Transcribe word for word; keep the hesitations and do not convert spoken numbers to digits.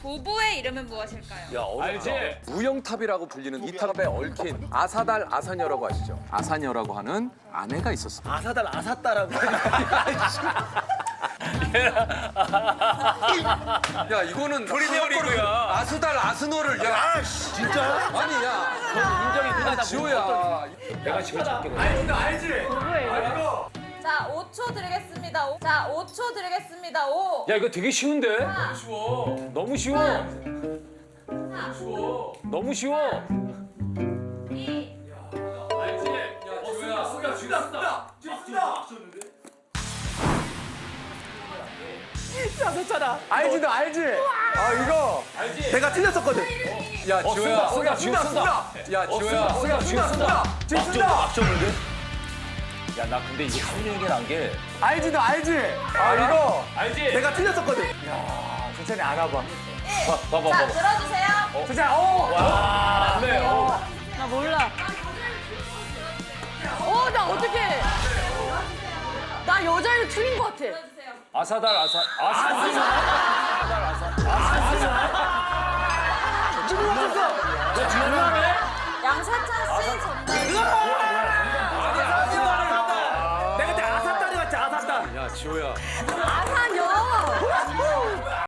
부부의 이름은 무엇일까요? 야, 어렵지? 무영탑이라고 불리는 이 탑에 얽힌 아사달 아사녀라고 아시죠? 아사녀라고 하는 아내가 있었습니다. 아사달 아사따라고. 야 이거는 프리미어리그야. 아수달 아스노를 야 진짜? 아니 야 인정이 누나다. 지호야 내가 지금 찾게. 자, 오 초 드리겠습니다. 오- 자, 오 초 드리겠습니다. 오. 야, 이거 되게 쉬운데? 사, 너무 쉬워. 너무 쉬워. 이. 알지 너 알지? 아 이거 내가 틀렸었거든. 야 어, 지호야 쓴다, 지금 쓴다. 야 지호야 쓴다, 지금 쓴다. 지금 쓴다. 막혔는데? 야, 나 근데 이거 삼 년이 난 게. 알지 너 알지? 아 이거 알지? 내가 틀렸었거든. 야 천천히 알아봐. 봐봐, 자, 봐봐. 들어주세요. 진짜 어. 와, 네. 어. 나 몰라. 어, 나 어떡해. 나 여자를 틀린 것 같아. 들어주세요. 아사달 아사. 아사달 아사. 너 장난해? 양사찬 씨 정답. 내가 그때 아사딸이 같지 아사딸. 야 지호야 아,